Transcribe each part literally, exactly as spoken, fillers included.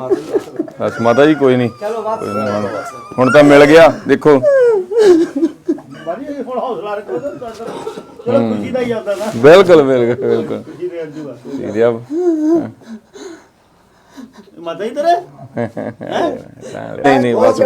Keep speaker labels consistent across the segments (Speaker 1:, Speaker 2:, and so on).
Speaker 1: बस माता जी कोई नहीं, कोई नहीं हुण तां मिल गया। देखो बिल्कुल बिल्कुल बिल्कुल नहीं नहीं बस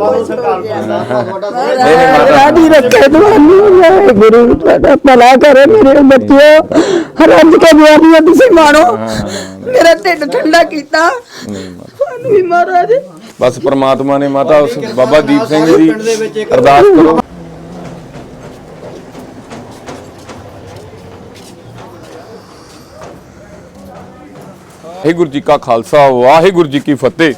Speaker 2: गुरु भला करे मेरे बच्चों, रज के बियानियां तुसीं माणो, मेरा ढिड ठंडा कीता महाराज।
Speaker 1: बस परमात्मा ने माता उस बाबा दीप सिंह जी अरदास करो। वाहिगुरू जी का खालसा वाहिगुरू जी की फतेह।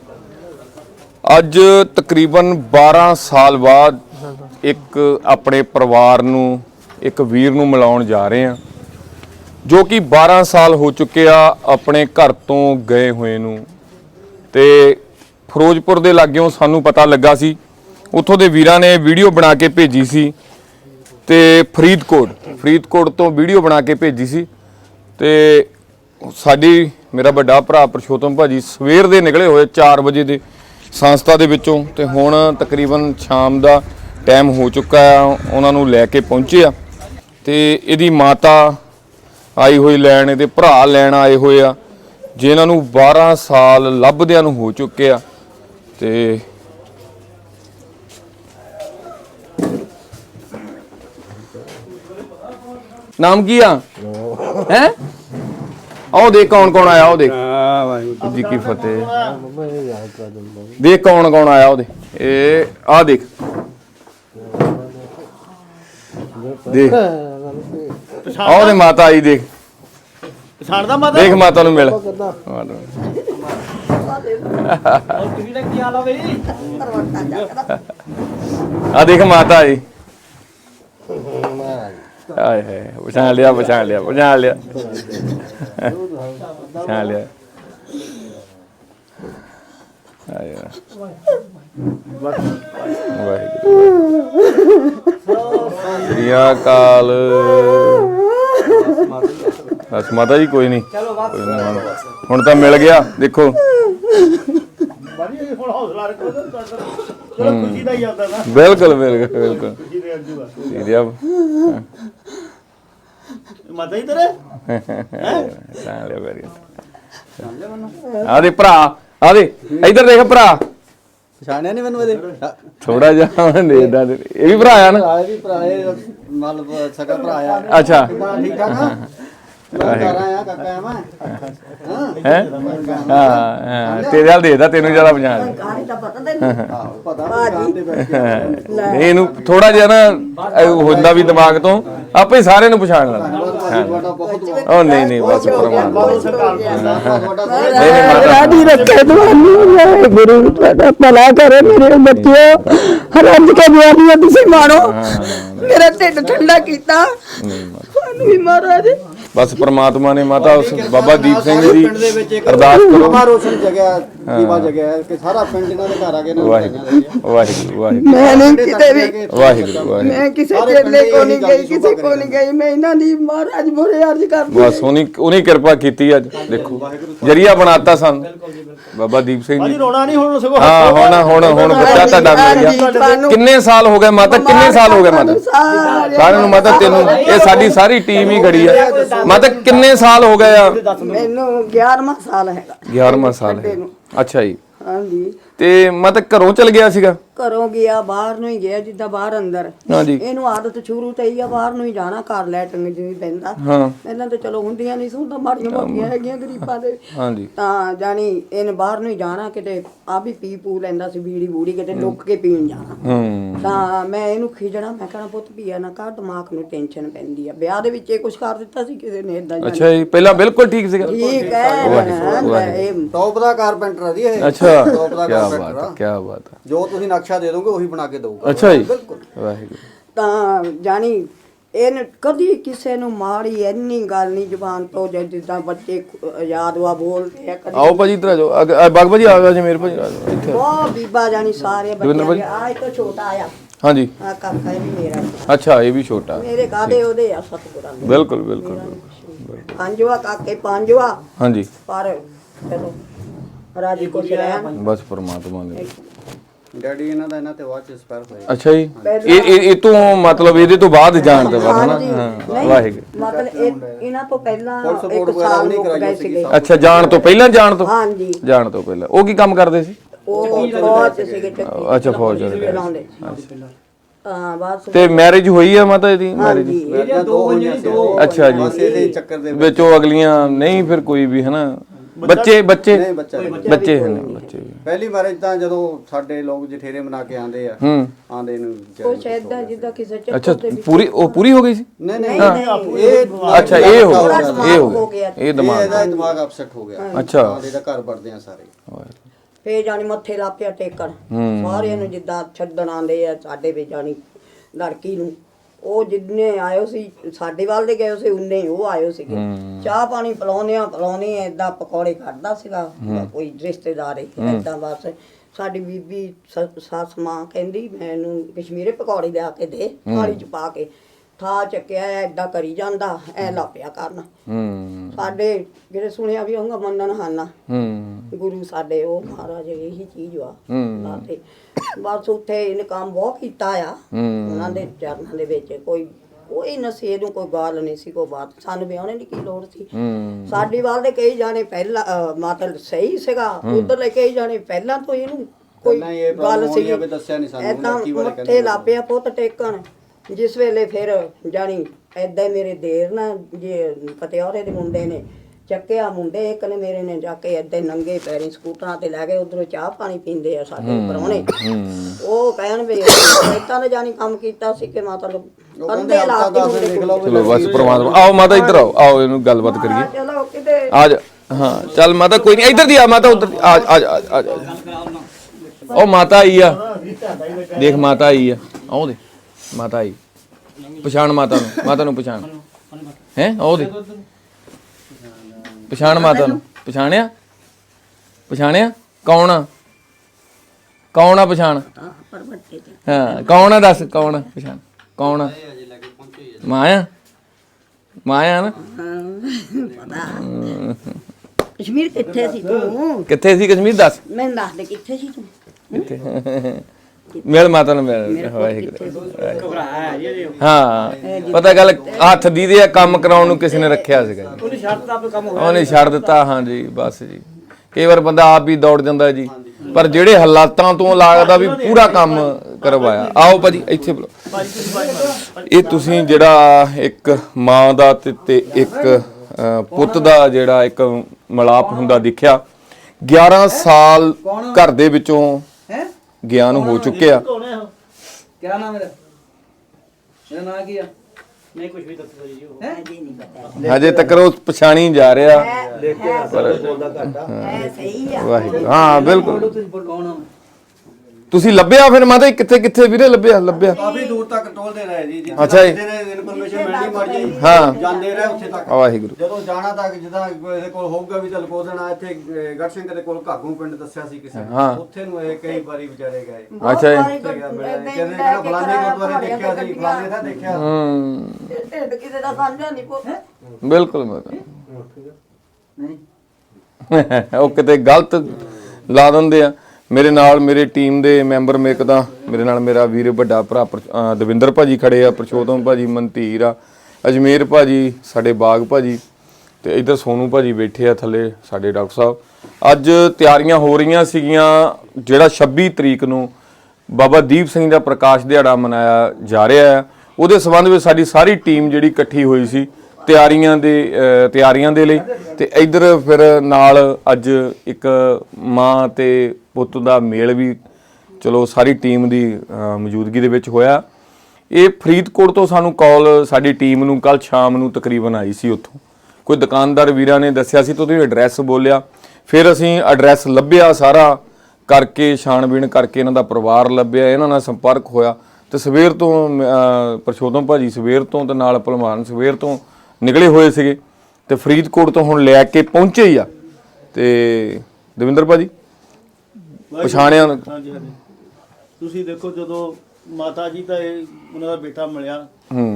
Speaker 1: अज तकरीबन बारह साल बाद एक अपने परिवार नूं एक वीर नूं मिलाउण जा रहे हैं जो कि बारह साल हो चुके आ अपने घर तो गए हुए नूं। ते फिरोजपुर दे लाग्यों सानू पता लगा सी, उत्थों दे वीरां ने वीडियो बना के भेजी सी ते फरीदकोट फरीदकोट तो वीडियो बना के भेजी सी। ते साडी मेरा बड़ा भरा परशोत्तम भाजी सवेर दे निकले होए चार बजे दे संस्था दे विचों ते हुण तकरीबन शाम दा टाइम हो चुका है, उन्हां नूं लैके पहुंचे आ। ते इहदी माता आई हुई लैण, इहदे भरा लैण आए होए आ जिन्हां नूं बारह साल लभदिआं नूं हो चुके आ। ते नाम की आ हैं? आओ देख कौन कौन आया, आओ देख जी की फतेह। देख कौन कौन आया, आओ देख ए आ देख देख आओ दे माता आई देख देख माता नूं मिल आ देख माता आई। आए है पछाण लिया पछाण लिया पछाण लिया पछाण लिया। श्री अकाल। बस माता जी कोई नहीं, कोई नहीं हुण तां मिल गया। देखो बिल्कुल बिल्कुल बिल्कुल आदे भरा आदे इधर देख भरा
Speaker 3: पछाणिया नहीं मैनू
Speaker 1: थोड़ा जिहा देखदा ये भी भरा आ ना
Speaker 3: मतलब सगा भरा आ।
Speaker 1: अच्छा
Speaker 3: ठीक ठाक हां
Speaker 1: तेरे हाल देखदा तेनू ज्यादा पछाण ਇਹਨੂੰ ਥੋੜਾ ਜਿਹਾ ਨਾ ਹੁੰਦਾ ਵੀ ਦਿਮਾਗ ਤੋਂ ਆਪੇ ਸਾਰੇ ਨੂੰ ਪਛਾਣ ਲੈਂਦਾ। ਉਹ ਨਹੀਂ ਨਹੀਂ ਬਸ ਪਰਮਾਤਮਾ
Speaker 2: राजी रखे ਤੁਹਾਨੂੰ गुरु भला करे मेरे बच्चों, रज के बियानियां तुसीं माणो, मेरा ढिड ठंडा कीता महाराज।
Speaker 1: बस परमात्मा ने माता उस बाबा दीप सिंह जी अरदास करो।
Speaker 3: रोशन जगह दीवा जगह है कि सारा पिंड इन्हां दे घर आ गए ना।
Speaker 1: वाहिगुरू वाहिगुरू वाहिगुरू
Speaker 2: मैं नहीं किते भी
Speaker 1: वाहिगुरू वाहिगुरू
Speaker 2: मैं किसी चेले को नहीं गई, किसी को नहीं गई, मैं इन्हां दी महाराज मोरे अर्ज करदी।
Speaker 1: बस उन्हीं उन्हीं कृपा कीती अज देखो जरिया बनाता सन बाबा दीप सिंह जी।
Speaker 3: रोना नहीं हुण सगो
Speaker 1: हां हुण हुण हुण बच्चा ਤੁਹਾਡਾ मिल गया। किन्ने साल हो गए माता, किन्ने साल हो गए माता सारे ਨੂੰ माता तेनू ये साडी सारी टीम ही खड़ी है माता। किन्ने साल हो गए आ?
Speaker 2: मैनू ग्यारहवां साल है।
Speaker 1: ग्यारहवां साल है। अच्छा जी
Speaker 2: हाँ जी।
Speaker 1: ਤੇ ਮਾਤਾ ਘਰੋਂ ਚਲ ਗਿਆ ਸੀਗਾ?
Speaker 2: ਘਰੋਂ ਗਿਆ ਬਾਹਰ ਨੂੰ ਹੀ ਗਿਆ ਜਿੱਦਾਂ ਬਾਹਰ ਅੰਦਰ।
Speaker 1: ਹਾਂਜੀ
Speaker 2: ਇਹਨੂੰ ਆਦਤ ਸ਼ੁਰੂ ਤੋਂ ਹੀ ਆ ਬਾਹਰ ਨੂੰ ਹੀ ਜਾਣਾ, ਘਰ ਲੈਟਰਿੰਗ ਜਿਵੇਂ ਪੈਂਦਾ।
Speaker 1: ਹਾਂ
Speaker 2: ਪਹਿਲਾਂ ਤਾਂ ਚਲੋ ਹੁੰਦੀਆਂ ਨਹੀਂ ਸੁਣਦਾ ਮਾੜੀਆਂ ਮੋਟੀਆਂ ਹੈਗੀਆਂ ਗਰੀਬਾਂ ਦੇ।
Speaker 1: ਹਾਂਜੀ
Speaker 2: ਤਾਂ ਜਾਣੀ ਇਹਨੇ ਬਾਹਰ ਨੂੰ ਹੀ ਜਾਣਾ, ਕਿਤੇ ਆ ਵੀ ਪੀ ਪੂ ਲੈਂਦਾ ਸੀ ਬੀੜੀ ਬੂੜੀ, ਕਿਤੇ ਲੁੱਕ ਕੇ ਪੀਣ ਜਾਣਾ।
Speaker 1: ਹੂੰ
Speaker 2: ਤਾਂ ਮੈਂ ਇਹਨੂੰ ਖਿਜਣਾ, ਮੈਂ ਕਹਿਣਾ ਪੁੱਤ ਪੀਆ ਨਾ ਕਰ, ਦਿਮਾਗ ਨੂੰ ਟੈਨਸ਼ਨ ਪੈਂਦੀ ਆ। ਵਿਆਹ ਦੇ ਵਿੱਚ ਇਹ ਕੁਛ ਕਰ ਦਿੱਤਾ ਸੀ ਕਿਸੇ ਨੇ ਇਦਾਂ।
Speaker 1: ਅੱਛਾ ਜੀ ਪਹਿਲਾਂ ਬਿਲਕੁਲ ਠੀਕ ਸੀਗਾ?
Speaker 2: ਠੀਕ ਹੈ ਇਹ
Speaker 3: ਟੌਪ ਦਾ ਕਾਰਪੈਂਟਰ ਆ ਜੀ ਇਹ।
Speaker 1: ਅੱਛਾ
Speaker 3: ਟੌਪ ਦਾ
Speaker 1: ਕੀ ਬਾਤ ਹੈ
Speaker 3: ਕਾਰਪੈਂਟਰ
Speaker 1: ਕੀ ਬਾਤ ਹੈ।
Speaker 3: ਜੋ ਤੁਸੀਂ ਨਕਸ਼ਾ ਦੇ ਦੋਗੇ ਉਹੀ ਬਣਾ ਕੇ ਦਊਗਾ।
Speaker 1: ਅੱਛਾ ਜੀ
Speaker 3: ਬਿਲਕੁਲ
Speaker 1: ਵਾਹਿਗੁਰੂ।
Speaker 2: ਤਾਂ ਜਾਣੀ ਇਹਨੇ ਕਦੀ ਕਿਸੇ ਨੂੰ ਮਾੜੀ ਇੰਨੀ ਗੱਲ ਨਹੀਂ ਜ਼ੁਬਾਨ ਤੋਂ, ਜਿੱਦਾਂ ਬੱਚੇ ਆਜ਼ਾਦ ਵਾ ਬੋਲਦੇ ਆ।
Speaker 1: ਆਓ ਭਾਜੀ ਇੱਧਰ ਆ ਜਾਓ, ਬਾਗ ਭਾਜੀ ਆ ਜਾ ਮੇਰੇ ਭਾਜੀ ਆ ਜਾਓ ਇੱਥੇ।
Speaker 2: ਬਹੁਤ ਬੀਬਾ ਜਾਣੀ ਸਾਰੇ ਬੱਚੇ ਆ। ਇਹ ਤੋਂ ਛੋਟਾ ਆ।
Speaker 1: ਹਾਂਜੀ
Speaker 2: ਆ ਕਾਕਾ ਇਹ ਵੀ ਮੇਰਾ।
Speaker 1: ਅੱਛਾ ਇਹ ਵੀ ਛੋਟਾ
Speaker 2: ਮੇਰੇ ਕਾਦੇ ਉਹਦੇ ਆ ਸਤਿਗੁਰਾਂ ਦੇ।
Speaker 1: ਬਿਲਕੁਲ ਬਿਲਕੁਲ
Speaker 2: ਪੰਜਵਾ ਕਾਕੇ ਪੰਜਵਾ।
Speaker 1: ਹਾਂਜੀ
Speaker 2: ਪਰ ਚਲੋ ਰਾਜੀ ਖੁਸ਼ ਰਹਿਣ।
Speaker 1: ਬਸ ਪ੍ਰਮਾਤਮਾ ਨੇ।
Speaker 3: ਡੈਡੀ ਇਹਨਾਂ ਦਾ ਇਹਨਾਂ ਤੇ ਬਾਅਦ ਚ ਐਕਸਪਾਇਰ ਹੋਇਆ।
Speaker 1: ਅੱਛਾ ਜੀ, ਇਹ ਇਹ ਇਹ ਤੋਂ ਮਤਲਬ ਇਹਦੇ ਤੋਂ ਬਾਅਦ ਜਾਣ ਤੋਂ ਬਾਅਦ ਨਾ, ਹਾਂ ਵਾਹਿਗੁਰੂ।
Speaker 2: ਮਤਲਬ ਇਹ- ਇਹਨਾਂ ਤੋਂ ਪਹਿਲਾਂ ਇੱਕ ਸਾਲ ਹੋ ਗਏ ਸੀਗੇ।
Speaker 1: ਅੱਛਾ, ਜਾਣ ਤੋਂ ਪਹਿਲਾਂ ਜਾਣ ਤੋਂ
Speaker 2: ਹਾਂਜੀ,
Speaker 1: ਜਾਣ ਤੋਂ ਪਹਿਲਾਂ ਉਹ ਕੀ ਕੰਮ ਕਰਦੇ ਸੀ?
Speaker 2: ਉਹ ਫੌਜ ਸੀਗੇ ਚੱਕੀ
Speaker 1: ਅੱਛਾ, ਫੌਜ ਚ
Speaker 2: ਚਲਾਉਂਦੇ। ਹਾਂ ਬਸ
Speaker 1: ਤੇ ਮੈਰਿਜ ਹੋਈ ਆ ਮਾਤਾ ਇਹਦੀ? ਮੈਰਿਜ
Speaker 2: ਹਾਂਜੀ,
Speaker 3: ਇਹਦੀਆਂ ਦੋ ਹੋਈਆਂ ਸੀ।
Speaker 1: ਅੱਛਾ ਜੀ,
Speaker 3: ਬਸ ਇਹਦੇ ਚੱਕਰ ਦੇ
Speaker 1: ਵਿੱਚ ਉਹ ਅਗਲੀਆਂ ਨਹੀਂ ਫਿਰ ਕੋਈ ਵੀ ਹਨਾ? ਬੱਚੇ ਬੱਚੇ
Speaker 3: ਨਹੀਂ ਬੱਚਾ ਨਹੀਂ।
Speaker 1: ਬੱਚੇ ਹਨ, ਬੱਚੇ ਵੀ।
Speaker 3: ਪਹਿਲੀ ਮੈਰਿਜ ਤਾਂ ਜਦੋਂ ਸਾਡੇ ਲੋਕ ਜਠੇਰੇ ਮਨਾ ਕੇ ਆਂਦੇ ਆ,
Speaker 1: ਹੂੰ,
Speaker 3: ਆਂਦੇ ਨੂੰ
Speaker 2: ਕੁਛ ਏਦਾਂ ਜਿੱਦਾਂ ਕਿਸੇ
Speaker 1: ਅੱਛਾ
Speaker 2: ਚੱਕਰ ਤੇ
Speaker 1: ਪੂਰੀ ਉਹ ਪੂਰੀ ਹੋ ਗਈ ਸੀ?
Speaker 3: ਨਹੀਂ ਨਹੀਂ
Speaker 2: ਨਹੀਂ
Speaker 3: ਇਹ
Speaker 1: ਅੱਛਾ, ਇਹ ਹੋ
Speaker 2: ਥੋੜ੍ਹਾ
Speaker 1: ਗਿਆ,
Speaker 2: ਦਿਮਾਗ
Speaker 1: ਇਹ ਹੋ
Speaker 2: ਹੋ
Speaker 1: ਗਿਆ,
Speaker 2: ਗਿਆ।
Speaker 1: ਇਹ ਦਿਮਾਗ।
Speaker 3: ਇਹਦਾ ਦਿਮਾਗ ਅਪਸੈਟ ਹੋ ਗਿਆ।
Speaker 1: ਅੱਛਾ,
Speaker 3: ਆਂਦੇ ਦਾ ਘਰ ਵੜਦੇ ਆ ਸਾਰੇ।
Speaker 2: ਫੇਰ ਜਾਣੀ ਮੱਥੇ ਲਾਪਿਆ ਟੇਕਣ ਸਾਰਿਆਂ ਨੂੰ, ਜਿੱਦਾਂ ਛੱਡਣ ਆਂਦੇ ਆ ਸਾਡੇ ਵਿੱਚ ਜਾਣੀ ਲੜਕੀ ਨੂੰ। ਉਹ ਜਿੰਨੇ ਆਇਓ ਸੀ ਸਾਡੇ ਵੱਲ ਦੇ ਗਏ ਸੀ, ਉਨੇ ਹੀ ਉਹ ਆਇਓ ਸੀਗੇ। ਚਾਹ ਪਾਣੀ ਪਿਲਾਉਂਦੇ ਆ ਪਿਲਾਉਂਦੇ ਏਦਾਂ ਪਕੌੜੇ ਕੱਢਦਾ ਸੀਗਾ ਕੋਈ ਰਿਸ਼ਤੇਦਾਰ ਏਦਾਂ। ਬਸ ਸਾਡੀ ਬੀਬੀ ਸ- ਸੱਸ ਮਾਂ ਕਹਿੰਦੀ ਮੈਨੂੰ ਕਸ਼ਮੀਰੇ ਪਕੌੜੇ ਲਿਆ ਕੇ ਦੇ, ਥਾਲੀ ਚ ਪਾ ਕੇ। ਥਾ ਚੱਕਿਆ ਏਦਾਂ ਕਰੀ ਜਾਂਦਾ, ਐ ਲਾਪਿਆ ਕਰਨ।
Speaker 1: ਹੂੰ
Speaker 2: ਸਾਡੇ ਜਿਹੜੇ ਸੁਣਿਆ ਵੀ ਹੋਊਗਾ ਮੰਨਣ ਹਾਨਾ
Speaker 1: ਹੂੰ
Speaker 2: ਗੁਰੂ ਸਾਡੇ, ਉਹ ਮਹਾਰਾਜ ਇਹੀ ਚੀਜ਼ ਵਾ
Speaker 1: ਹੂੰ।
Speaker 2: ਲਾਤੇ। ਬਸ ਉੱਥੇ ਇਹਨੇ ਕੰਮ ਬਹੁਤ ਕੀਤਾ ਆ ਉਹਨਾਂ ਦੇ ਚਰਨਾਂ ਦੇ ਵਿੱਚ। ਕੋਈ ਕੋਈ ਨਸ਼ੇ ਨੂੰ ਕੋਈ ਗੱਲ ਨਹੀਂ ਸੀ, ਕੋਈ ਬਾਤ ਸਾਨੂੰ ਵਿਆਹਣੇ ਦੀ ਕੀ ਲੋੜ ਸੀ।
Speaker 1: ਹੂੰ
Speaker 2: ਸਾਡੀ ਵੱਲ ਦੇ ਕਈ ਜਾਣੇ ਪਹਿਲਾਂ ਅਹ, ਮਤਲਬ ਸਹੀ ਸੀਗਾ, ਉਧਰ ਲੈ ਕਈ ਜਾਣੇ ਪਹਿਲਾਂ ਤੋਂ ਇਹਨੂੰ ਕੋਈ
Speaker 3: ਪਹਿਲਾਂ ਇਹ
Speaker 2: ਗੱਲ
Speaker 3: problem
Speaker 2: ਸੀ
Speaker 3: ਹੋਣੀ ਆ ਵੀ ਦੱਸਿਆ ਨਹੀਂ ਸਾਨੂੰ,
Speaker 2: ਏਦਾਂ
Speaker 3: ਲੜਕੀ ਬਾਰੇ
Speaker 2: ਮੱਥੇ
Speaker 3: ਕਹਿੰਦੇ
Speaker 2: ਲਾਪਿਆ ਪੁੱਤ ਟੇਕਣ। ਜਿਸ ਵੇਲੇ ਫਿਰ ਜਾਣੀ ਏਦਾਂ ਹੀ ਮੇਰੇ ਦੇਰ ਨਾ ਜੇ ਪਤਿਆਰੇ ਦੇ ਮੁੰਡੇ ਨੇ ਚੱਕਿਆ, ਮੁੰਡੇ ਇੱਕ ਨੇ ਮੇਰੇ ਨੇ ਜਾ ਕੇ ਏਦਾਂ ਹੀ ਨੰਗੇ ਪੈਰੀ ਸਕੂਟਰਾਂ ਤੇ ਲੈ ਗਏ। ਉਧਰੋਂ ਚਾਹ ਪਾਣੀ ਪੀਂਦੇ ਆ ਸਾਡੇ ਪ੍ਰਾਹੁਣੇ। ਉਹ ਕਹਿਣ ਵੀ ਏਦਾਂ ਨੇ ਜਾਣੀ ਕੰਮ ਕੀਤਾ ਸੀ ਕਿ ਮਤਲਬ ਅੰਦੇ ਲਾਤੀ ਹੁੰਦੇ।
Speaker 1: ਚਲੋ ਬਸ ਪ੍ਰਮਾਤਮਾ। ਆਓ ਮਾਤਾ ਇੱਧਰ ਆਓ, ਆਓ ਇਹਨੂੰ ਗੱਲਬਾਤ ਕਰੀਏ।
Speaker 2: ਚਲੋ ਕਿਤੇ
Speaker 1: ਆ ਜਾ, ਹਾਂ ਚੱਲ ਮਾਤਾ, ਕੋਈ ਨਹੀਂ, ਇੱਧਰ ਦੀ ਆ ਮਾਤਾ, ਉੱਧਰ ਦੀ ਆ ਆ ਜਾ, ਆ ਜਾ। ਉਹ ਮਾਤਾ ਆਈ ਆ, ਦੇਖ ਮਾਤਾ ਆਈ ਆ, ਆਓ ਦੇ ਮਾਤਾ ਆਈ। ਪਛਾਣ ਮਾਤਾ ਨੂੰ, ਮਾਤਾ ਨੂੰ ਪਛਾਣ ਹੈ? ਆਓ ਦੇ ਪਛਾਣ ਮਾਤਾ ਨੂੰ। ਪਛਾਣਿਆ? ਪਛਾਣਿਆ? ਕੌਣ ਆ? ਕੌਣ ਆ? ਪਛਾਣ। ਹਾਂ ਕੌਣ ਆ? ਦੱਸ ਕੌਣ ਆ? ਪਛਾਣ ਕੌਣ ਆ? ਮਾਂ ਆ? ਮਾਂ ਆ ਨਾ?
Speaker 2: ਕਸ਼ਮੀਰ ਕਿੱਥੇ ਸੀ ਤੂੰ?
Speaker 1: ਕਿੱਥੇ ਸੀ ਕਸ਼ਮੀਰ? ਦੱਸ
Speaker 2: ਮੈਂ ਦੱਸ ਦੇ ਕਿੱਥੇ ਸੀ ਤੂੰ?
Speaker 1: ਕਿੱਥੇ? ਮਿਲ ਮਾਤਾ ਨੂੰ ਮਿਲ। ਵਾਹਿਗੁਰੂ। ਹਾਂ ਪਤਾ ਗੱਲ, ਹੱਥ ਦੀ ਦੇ ਕੰਮ ਕਰਾਉਣ ਨੂੰ ਕਿਸੇ ਨੇ ਰੱਖਿਆ ਸੀਗਾ ਜੀ, ਉਹਨੇ ਛੱਡ ਦਿੱਤਾ ਕੰਮ ਹੋਇਆ, ਉਹਨੇ ਛੱਡ ਦਿੱਤਾ। ਹਾਂ ਜੀ ਬਸ ਜੀ, ਕਈ ਵਾਰ ਬੰਦਾ ਆਪ ਹੀ ਦੌੜ ਜਾਂਦਾ ਜੀ, ਪਰ ਜਿਹੜੇ ਹਾਲਾਤਾਂ ਤੋਂ ਲੱਗਦਾ ਵੀ ਪੂਰਾ ਕੰਮ ਕਰਵਾਇਆ। ਆਓ ਭਾਜੀ ਇੱਥੇ ਬੁਲਾਓ। ਇਹ ਤੁਸੀਂ ਜਿਹੜਾ ਇੱਕ ਮਾਂ ਦਾ ਤੇ ਤੇ ਇੱਕ ਅਹ, ਪੁੱਤ ਦਾ ਜਿਹੜਾ ਇੱਕ ਮਿਲਾਪ ਹੁੰਦਾ ਦਿਖਿਆ। ਗਿਆਰਾਂ ਸਾਲ ਘਰ ਦੇ ਵਿੱਚੋਂ ਗਿਆਨ ਹੋ ਚੁੱਕਿਆ।
Speaker 4: क्या नाम है? मेरा नाम क्या? नहीं कुछ भी दस जी हो। हैं?
Speaker 1: ਹਜੇ ਤੱਕ ਉਹ ਪਛਾਣੀ ਜਾ ਰਿਹਾ।
Speaker 2: ਐ ਸਹੀ ਆ।
Speaker 1: ਵਾਹਿਗੁਰੂ। ਹਾਂ ਬਿਲਕੁਲ।
Speaker 4: कौन हो?
Speaker 1: ਤੁਸੀਂ ਲੱਭਿਆ ਫਿਰ ਮਾਤਾ? ਕਿੱਥੇ ਕਿੱਥੇ ਵੀਰੇ ਲੱਭਿਆ? ਲੱਭਿਆ
Speaker 3: ਕਾਫੀ ਦੂਰ ਤੱਕ ਟੋਲਦੇ ਰਹੇ ਜੀ।
Speaker 1: ਅੱਛਾ ਜੀ।
Speaker 3: ਇਨਫੋਰਮੇਸ਼ਨ ਮਿਲਣੀ ਮਰਜੀ
Speaker 1: ਹਾਂ।
Speaker 3: ਜਾਂਦੇ ਰਹੇ ਉੱਥੇ ਤੱਕ।
Speaker 1: ਵਾਹਿਗੁਰੂ।
Speaker 3: ਜਦੋਂ ਜਾਣਾ ਤੱਕ ਜਿੱਦਾਂ ਇਹਦੇ ਕੋਲ ਹੋਊਗਾ ਵੀ ਚੱਲ ਕੋ ਦੇਣਾ। ਇੱਥੇ ਗੜ ਸਿੰਘ ਦੇ ਕੋਲ ਘਾਗੂ ਪਿੰਡ ਦੱਸਿਆ ਸੀ ਕਿਸੇ
Speaker 1: ਹਾਂ।
Speaker 3: ਨੇ, ਉੱਥੇ ਨੂੰ ਇਹ ਕਈ ਵਾਰੀ ਵਿਚਾਰੇ ਗਏ।
Speaker 1: ਅੱਛਾ ਜੀ।
Speaker 3: ਕਹਿੰਦੇ ਕਹਿੰਦਾ ਫਲਾਣੇ ਗੁਰਦੁਆਰੇ ਦੇਖਿਆ ਸੀ, ਫਲਾਣੇ ਦਾ ਦੇਖਿਆ।
Speaker 1: ਹੂੰ
Speaker 2: ਢਿੱਡ ਕਿਤੇ ਦਾ ਸਾਂਝਾ ਨਹੀਂ ਪੋ।
Speaker 1: ਬਿਲਕੁਲ ਮਾਤਾ।
Speaker 4: नहीं
Speaker 1: ਉਹ ਕਿਤੇ ਗਲਤ ਲਾ ਦਿੰਦੇ ਆ। ਮੇਰੇ ਨਾਲ ਮੇਰੇ ਟੀਮ ਦੇ ਮੈਂਬਰ, ਮੇਰੇ ਤਾਂ ਮੇਰੇ ਨਾਲ ਮੇਰਾ ਵੀਰ ਵੱਡਾ ਭਰਾ ਪਰ- ਅਹ ਦਵਿੰਦਰ ਭਾਜੀ ਖੜੇ ਆ, ਪ੍ਰਸ਼ੋਤਮ ਭਾਜੀ, ਮਨਧੀਰ ਆ, ਅਜਮੇਰ ਭਾਜੀ, ਸਾਡੇ ਬਾਗ ਭਾਜੀ, ਤੇ ਇੱਧਰ ਸੋਨੂ ਭਾਜੀ ਬੈਠੇ ਆ ਥੱਲੇ ਸਾਡੇ ਡਾਕਟਰ ਸਾਹਿਬ। ਅੱਜ ਤਿਆਰੀਆਂ ਹੋ ਰਹੀਆਂ ਸੀਗੀਆਂ ਜਿਹੜਾ ਛੱਬੀ ਤਰੀਕ ਨੂੰ ਬਾਬਾ ਦੀਪ ਸਿੰਘ ਦਾ ਪ੍ਰਕਾਸ਼ ਦਿਹਾੜਾ ਮਨਾਇਆ ਜਾ ਰਿਹਾ ਹੈ। ਉਹਦੇ ਸੰਬੰਧ ਵਿੱਚ ਸਾਡੀ ਸਾਰੀ ਟੀਮ ਜਿਹੜੀ ਇਕੱਠੀ ਹੋਈ ਸੀ ਤਿਆਰੀਆਂ ਦੇ ਅਹ ਤਿਆਰੀਆਂ ਦੇ ਲਈ। ਤੇ ਇੱਧਰ ਫਿਰ ਨਾਲ ਅੱਜ ਇੱਕ ਮਾਂ ਤੇ ਪੁੱਤ ਦਾ ਮੇਲ ਵੀ ਚਲੋ ਸਾਰੀ ਟੀਮ ਦੀ ਅਹ ਮੌਜੂਦਗੀ ਦੇ ਵਿੱਚ ਹੋਇਆ। ਇਹ ਫਰੀਦਕੋਟ ਤੋਂ ਸਾਨੂੰ ਕਾਲ ਸਾਡੀ ਟੀਮ ਨੂੰ ਕੱਲ ਸ਼ਾਮ ਨੂੰ ਤਕਰੀਬਨ ਆਈ ਸੀ। ਉੱਥੋਂ ਕੋਈ ਦੁਕਾਨਦਾਰ ਵੀਰਾਂ ਨੇ ਦੱਸਿਆ ਸੀ, ਤੋਂ ਉਹਦੇ ਐਡਰੈਸ ਬੋਲਿਆ। ਫਿਰ ਅਸੀਂ ਐਡਰੈਸ ਲੱਭਿਆ, ਸਾਰਾ ਕਰਕੇ ਛਾਣਬੀਣ ਕਰਕੇ ਇਹਨਾਂ ਦਾ ਪਰਿਵਾਰ ਲੱਭਿਆ, ਇਹਨਾਂ ਨਾਲ ਸੰਪਰਕ ਹੋਇਆ। ਤੇ ਸਵੇਰ ਤੋਂ ਅਹ ਪ੍ਰਸ਼ੋਤਮ ਭਾਜੀ ਸਵੇਰ ਤੋਂ ਤੇ ਨਾਲ ਭਲਵਾਨ ਸਵੇਰ ਤੋਂ ਨਿਕਲੇ ਹੋਏ ਸੀਗੇ ਤੇ ਫਰੀਦਕੋਟ ਤੋਂ ਹੁਣ ਲੈ ਕੇ ਪਹੁੰਚੇ ਹੀ ਆ। ਤੇ ਦਵਿੰਦਰ ਭਾਜੀ ਪਛਾਣਿਆ?
Speaker 5: ਹਾਂਜੀ ਹਾਂਜੀ। ਤੁਸੀਂ ਦੇਖੋ ਜਦੋਂ ਮਾਤਾ ਜੀ ਦਾ ਇਹ ਉਹਨਾਂ ਦਾ ਬੇਟਾ ਮਿਲਿਆ,
Speaker 1: ਹੂੰ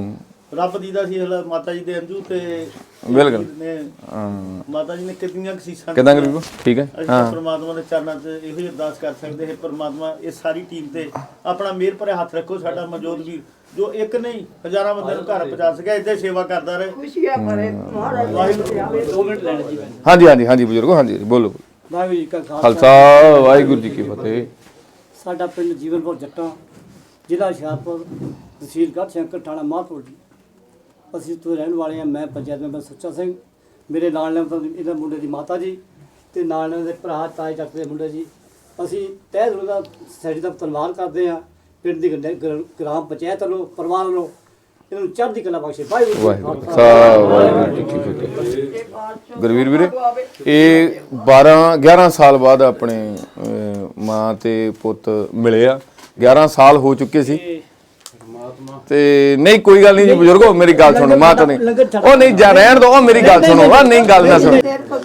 Speaker 5: ਰੱਬ ਦੀ ਦਾ ਸੀ ਹਲਾ ਮਾਤਾ ਜੀ ਦੇ ਅੰਜੂ ਤੇ
Speaker 1: ਬਿਲਕੁਲ।
Speaker 5: ਨੇ ਮਾਤਾ ਜੀ ਨੇ ਕਿੰਨੀਆਂ ਕਸੀਸਾਂ
Speaker 1: ਕਿਦਾਂ ਗਰੀਬੋ ਠੀਕ ਹੈ
Speaker 5: ਅਸੀਂ ਤਾਂ ਪ੍ਰਮਾਤਮਾ ਦੇ ਚਰਨਾਂ 'ਚ ਇਹੋ ਹੀ ਅਰਦਾਸ ਕਰ ਸਕਦੇ ਹਾਂ, ਪ੍ਰਮਾਤਮਾ ਇਹ ਸਾਰੀ ਟੀਮ ਤੇ ਆਪਣਾ ਮਿਹਰ ਭਰਿਆ ਹੱਥ ਰੱਖੋ। ਸਾਡਾ ਮਨਜੋਤ ਵੀਰ ਜੋ ਇੱਕ ਨਹੀਂ ਹਜ਼ਾਰਾਂ ਬੰਦੇ ਨੂੰ ਘਰ ਪਹੁੰਚਾ ਸਕਿਆ, ਇੱਦਾਂ ਸੇਵਾ ਕਰਦਾ ਰਹੇ।
Speaker 2: ਖੁਸ਼ੀਆਂ ਭਰੇ ਮਹਾਰਾਜ
Speaker 4: ਦੋ ਮਿੰਟ ਲੈਣੇ ਜੀ ਮੈਨੂੰ।
Speaker 1: ਹਾਂਜੀ ਹਾਂਜੀ ਹਾਂਜੀ ਬਜ਼ੁਰਗੋ ਹਾਂਜੀ ਬੋਲੋ।
Speaker 4: ਵਾਹਿਗੁਰੂ ਜੀ ਕਾ ਖਾਲਸਾ
Speaker 1: ਖਾਲਸਾ ਵਾਹਿਗੁਰੂ ਜੀ ਕੀ ਫਤਿਹ।
Speaker 4: ਸਾਡਾ ਪਿੰਡ ਜੀਵਨਪੁਰ ਜੱਟਾਂ, ਜ਼ਿਲ੍ਹਾ ਹੁਸ਼ਿਆਰਪੁਰ, ਤਹਿਸੀਲ ਗੜ੍ਹਸ਼ੰਕਰ, ਥਾਣਾ ਮਾਹਪੁਰ ਜੀ। ਅਸੀਂ ਉੱਥੋਂ ਰਹਿਣ ਵਾਲੇ ਹਾਂ। ਮੈਂ ਪੰਚਾਇਤ ਮੈਂਬਰ ਸੁੱਚਾ ਸਿੰਘ, ਮੇਰੇ ਨਾਲ ਨੇ ਇਹਦਾ ਮੁੰਡੇ ਦੀ ਮਾਤਾ ਜੀ ਤੇ ਨਾਲ ਇਹਨਾਂ ਦੇ ਭਰਾ ਤਾਏ ਚਾਚੇ ਦੇ ਮੁੰਡੇ ਜੀ। ਅਸੀਂ ਤਹਿ ਦਿਲੋਂ ਦਾ ਸੈਡੀ ਦਾ ਧੰਨਵਾਦ ਕਰਦੇ ਹਾਂ ਪਿੰਡ ਦੀ ਗ੍ਰ- ਗ੍ਰ- ਗ੍ਰਾਮ ਪੰਚਾਇਤ ਵੱਲੋਂ, ਪਰਿਵਾਰ ਵੱਲੋਂ। ਇਹਨਾਂ ਨੂੰ ਚੜ੍ਹਦੀ ਕਲਾ ਬਖਸ਼ੇ। ਵਾਹਿਗੁਰੂ
Speaker 1: ਵਾਹਿਗੁਰੂ ਖਾਲਸਾ ਵਾਹਿਗੁਰੂ ਜੀ ਕੀ ਫਤਿਹ। ਗੁਰਵੀਰ ਵੀਰੇ ਇਹ ਬਾਰਾਂ ਗਿਆਰਾਂ ਸਾਲ ਬਾਅਦ ਆਪਣੇ ਅਹ, ਮਾਂ ਤੇ ਪੁੱਤ ਮਿਲੇ ਆ। ਗਿਆਰਾਂ ਸਾਲ ਹੋ ਚੁੱਕੇ ਸੀ ਤੇ ਨਹੀਂ ਕੋਈ ਗੱਲ ਨਹੀਂ ਜੀ ਬਜ਼ੁਰਗੋ, ਮੇਰੀ ਗੱਲ ਸੁਣੋ। ਮਾਂ ਤਾਂ ਨਹੀਂ ਉਹ ਨਹੀਂ ਜਾ ਰਹਿਣ ਦੋ, ਉਹ ਮੇਰੀ ਗੱਲ ਸੁਣੋ। ਆ ਨਹੀਂ ਗੱਲ ਨਾ ਸੁਣੋ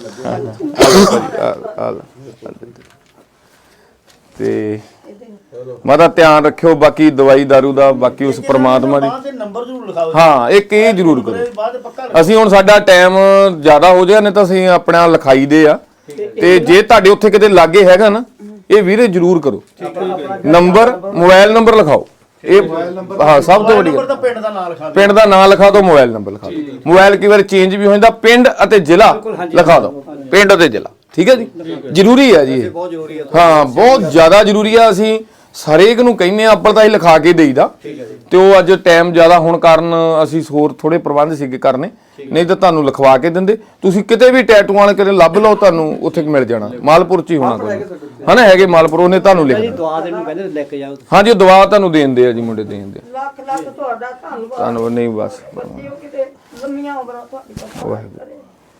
Speaker 1: ਤੇ ਮਾਤਾ ਧਿਆਨ ਰੱਖਿਓ। ਬਾਕੀ ਦਵਾਈ ਦਾਰੂ ਦਾ ਬਾਕੀ ਉਸ ਪ੍ਰਮਾਤਮਾ ਦੀ।
Speaker 5: ਬਾਅਦ ਦੇ ਨੰਬਰ ਜ਼ਰੂਰ ਲਿਖਾਓ।
Speaker 1: ਹਾਂ ਇੱਕ ਇਹ ਜ਼ਰੂਰ ਕਰੋ।
Speaker 5: ਬਾਅਦ ਦੇ ਪੱਕਾ
Speaker 1: ਅਸੀਂ ਹੁਣ ਸਾਡਾ ਟਾਈਮ ਜ਼ਿਆਦਾ ਹੋ ਜਾਏ, ਨਹੀਂ ਤਾਂ ਅਸੀਂ ਆਪਣਾ ਲਿਖਾਈ ਦੇ ਆ। ਤੇ ਜੇ ਤੁਹਾਡੇ ਉੱਥੇ ਕਿਤੇ ਲਾਗੇ ਹੈਗਾ ਨਾ, ਇਹ ਵੀਰੇ ਜ਼ਰੂਰ ਕਰੋ। ਨੰਬਰ ਮੋਬਾਈਲ ਨੰਬਰ ਲਿਖਾਓ। ਇਹ ਹਾਂ ਸਭ ਤੋਂ ਵੱਡੀ
Speaker 5: ਨੰਬਰ
Speaker 1: ਗੱਲ,
Speaker 5: ਤਾਂ ਪਿੰਡ ਦਾ ਨਾਂ ਲਿਖਾ ਦਿਓ।
Speaker 1: ਪਿੰਡ ਦਾ ਨਾਮ ਲਿਖਾ ਦਿਓ, ਮੋਬਾਈਲ ਨੰਬਰ ਲਿਖਾ ਦਿਓ। ਮੋਬਾਈਲ ਕਈ ਵਾਰ ਚੇਂਜ ਵੀ ਹੋ ਜਾਂਦਾ। ਪਿੰਡ ਅਤੇ ਜ਼ਿਲ੍ਹਾ ਲਿਖਾ ਦਿਓ, ਪਿੰਡ ਅਤੇ ਜ਼ਿਲ੍ਹਾ। ਠੀਕ ਹੈ ਜੀ, ਜ਼ਰੂਰੀ ਹੈ ਜੀ ਇਹ।
Speaker 3: ਬਹੁਤ ਜ਼ਰੂਰੀ ਹੈ।
Speaker 1: ਹਾਂ ਬਹੁਤ ਜ਼ਿਆਦਾ ਜ਼ਰੂਰੀ ਆ। ਅਸੀਂ ਹਰੇਕ ਨੂੰ ਕਹਿੰਦੇ ਆ, ਅੱਬਲ ਤਾਂ ਅਸੀਂ ਲਿਖਾ ਕੇ ਦੇਈਦਾ। ਤੇ ਉਹ ਅੱਜ ਟਾਈਮ ਜ਼ਿਆਦਾ ਹੋਣ ਕਾਰਨ ਅਸੀਂ ਹੋਰ ਥੋੜੇ ਪ੍ਰਬੰਧ ਸੀਗੇ ਕਰਨੇ, ਨਹੀਂ ਤਾਂ ਤੁਹਾਨੂੰ ਲਿਖਵਾ ਕੇ ਦਿੰਦੇ। ਤੁਸੀਂ ਕਿਤੇ ਵੀ ਟੈਟੂਆਂ ਵਾਲੇ ਕਿਤੇ ਲੱਭ ਲਓ, ਤੁਹਾਨੂੰ ਉੱਥੇ ਮਿਲ ਜਾਣਾ। ਮਾਲਪੁਰ ਚ ਹੀ ਹੋਣਾ ਕੋਈ ਹਨਾ, ਹੈਗੇ ਮਾਲਪੁਰ, ਉਹਨੇ ਤੁਹਾਨੂੰ ਲਿਖ
Speaker 4: ਦੁਆ ਦੇ ਨੂੰ ਕਹਿੰਦੇ ਲੈ ਕੇ ਜਾਓ।
Speaker 1: ਹਾਂਜੀ ਉਹ ਦਵਾ ਤੁਹਾਨੂੰ ਦੇਣ ਦੇ ਆ ਜੀ, ਮੁੰਡੇ ਦੇਣ ਦੇ।
Speaker 2: ਲੱਖ ਲੱਖ ਤੁਹਾਡਾ ਧੰਨਵਾਦ।
Speaker 1: ਤੁਹਾਨੂੰ ਨਹੀਂ ਬਸ
Speaker 2: ਬੱਚਿਓ ਕਿਤੇ ਲੰਮੀਆਂ ਉਮਰਾਂ ਤੁਹਾਡੀ ਬਖਸ਼ਿਸ਼ ਕਰੇ।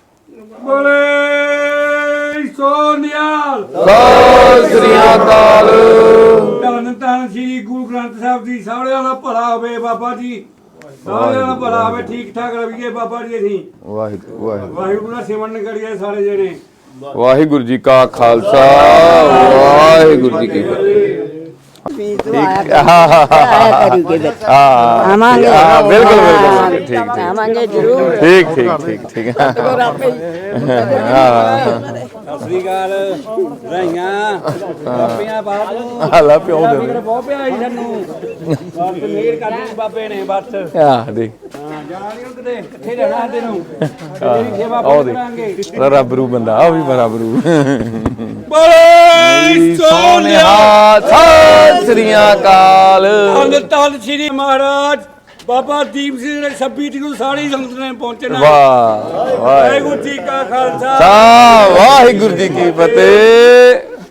Speaker 6: ਬੋਲੇ ਸੋਨਿਆਲ
Speaker 1: ਸਤਿ ਸ੍ਰੀ ਅਕਾਲ।
Speaker 6: ਧੰਨ ਧੰਨ ਸ੍ਰੀ ਗੁਰੂ ਗ੍ਰੰਥ ਸਾਹਿਬ ਜੀ। ਸਾਰਿਆਂ ਦਾ ਭਲਾ ਹੋਵੇ ਬਾਬਾ ਜੀ, ਸਾਰਿਆਂ ਦਾ ਭਲਾ ਹੋਵੇ, ਠੀਕ ਠਾਕ ਰਹੀਏ ਬਾਬਾ ਜੀ। ਅਸੀਂ
Speaker 1: ਵਾਹਿਗੁਰੂ ਵਾਹਿਗੁਰੂ
Speaker 6: ਵਾਹਿਗੁਰੂ ਦਾ ਸਿਮਰਨ ਕਰੀਏ ਸਾਰੇ ਜਣੇ।
Speaker 1: ਵਾਹਿਗੁਰੂ ਜੀ ਕਾ ਖਾਲਸਾ ਵਾਹਿਗੁਰੂ ਜੀ ਕੀ ਫਤਿਹ।
Speaker 2: ਆਵਾਂਗੇ
Speaker 1: ਹਾਂ ਬਿਲਕੁਲ ਬਿਲਕੁਲ ਠੀਕ ਠੀਕ
Speaker 2: ਆਵਾਂਗੇ ਜ਼ਰੂਰ।
Speaker 1: ਠੀਕ ਠੀਕ ਠੀਕ ਠੀਕ ਹਾਂ
Speaker 4: ਸਤਿ ਸ੍ਰੀ ਅਕਾਲ, ਰਾਈਆਂ ਬਾਪੀਆਂ ਬਾਪ ਨੂੰ
Speaker 1: ਹਾਲਾ ਪਿਓ ਦੇ
Speaker 4: ਬਹੁਤ ਪਿਆਰੀ ਸਾਨੂੰ। ਬਸ ਮੇਰ ਕਰਨੀ ਬਾਬੇ ਨੇ ਬਸ।
Speaker 1: ਆ ਦੇ
Speaker 4: ਹਾਂ ਜਾਣਾ ਨਹੀਂ ਕਿਤੇ, ਕਿੱਥੇ ਰਹਿਣਾ ਤੈਨੂੰ। ਤੇਰੀ ਸੇਵਾ
Speaker 1: ਆਹ ਦੇ
Speaker 4: ਕਰਾਂਗੇ।
Speaker 1: ਰੱਬਰੂ ਬੰਦਾ ਆ ਵੀ ਬਰਾਬਰੂ।
Speaker 6: ਬੋਲੇ
Speaker 1: ਸੋਨਿਆ ਸਤਿ ਸ੍ਰੀ ਅਕਾਲ।
Speaker 6: ਧੰਨ ਧੰਨ ਸ੍ਰੀ ਮਹਾਰਾਜ ਬਾਬਾ ਦੀਪ ਸਿੰਘ ਨੇ ਛੱਬੀ ਤਰੀਕ ਨੂੰ ਸਾਰੀ ਸੰਗਤ ਨੇ ਪਹੁੰਚਣਾ।
Speaker 1: ਵਾਹ ਵਾਹਿਗੁਰੂ
Speaker 6: ਵਾਹਿਗੁਰੂ ਜੀ ਕਾ ਖਾਲਸਾ
Speaker 1: ਸਾ ਵਾਹਿਗੁਰੂ ਜੀ ਕੀ ਫਤਿਹ।